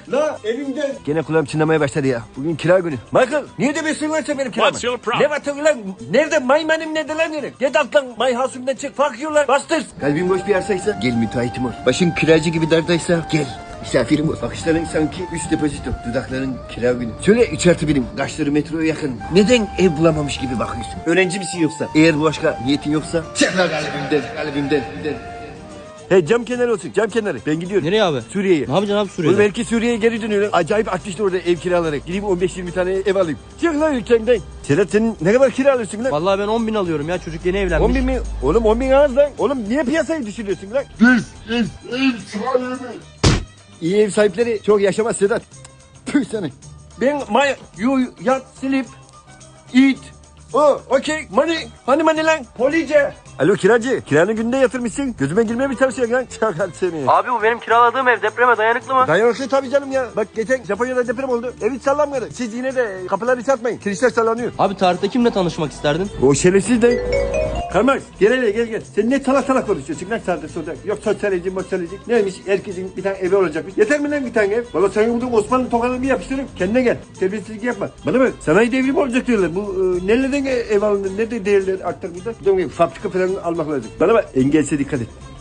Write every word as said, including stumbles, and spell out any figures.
la evimden. Gene kulağım çınlamaya başladı ya. Bugün kira günü. Michael niye demiyorsun lan sen benim kiramı? What's your problem? Ne batıyor lan? Nerede? May benim nerede lan nerede? Get alt lan. May hasımdan çık. Fuck you lan. Bastır. Kalbin boş bir arsaysa gel müteahhitim ol. Başın kiracı gibi dardaysa gel. Misafirim ol. Bakışların sanki üç depozito. Dudakların kira günü. Söyle üç artı birim. Kaşları metroya yakın. Neden ev bulamamış gibi bakıyorsun? Öğrenci misin yoksa? Eğer bu başka niyetin yoksa çık lan kalbimden. Kalbimden. He cam kenarı olsun cam kenarı. Ben gidiyorum. Nereye abi? Suriye'ye. Ne yapacaksın abi Suriye'de? Oğlum belki Suriye'ye geri dönüyorum. Acayip artmıştı orada ev kiralarak. Gideyim on beş yirmi tane ev alayım. Çık lan ülkenden. Sedat sen ne kadar kira alıyorsun lan? Vallahi ben on bin alıyorum ya, çocuk yeni evlenmiş. on bin mi? Oğlum on bin az lan. Oğlum niye piyasayı düşürüyorsun lan? This is ev sahibi. İyi ev sahipleri çok yaşamaz Sedat. Tüh sana. Ben my you yat sleep eat. Oh, okay. Money. Hani money lan? Police. Alo kiracı. Kiranı günde yatırmışsın. Gözüme girmeye bir tavsiye lan. Çakal seni. Abi bu benim kiraladığım ev, depreme dayanıklı mı? Dayanıklı tabii canım ya. Bak geçen Japonya'da deprem oldu. Ev hiç sallanmadı. Siz yine de kapıları çarpmayın. Kirişler sallanıyor. Abi tarihte kimle tanışmak isterdin? O şerefsiz de. Karmax gel hele gel gel. Sen ne salak salak konuşuyorsun lan sağda solda. Yok sosyoloji mosyoloji. Neymiş herkesin bir tane evi olacakmış. Yeter mi lan bir tane ev? Valla sana buldum Osmanlı tokanını bir yapıştırırım. Kendine gel. Terbiyesizlik yapma. Bana bak sanayi devrimi olacak diyorlar. Bu e, nerelerden ev alındı? Nerede değerler artar burada? Buradan fabrika falan almak lazım. Bana bak engelse dikkat et.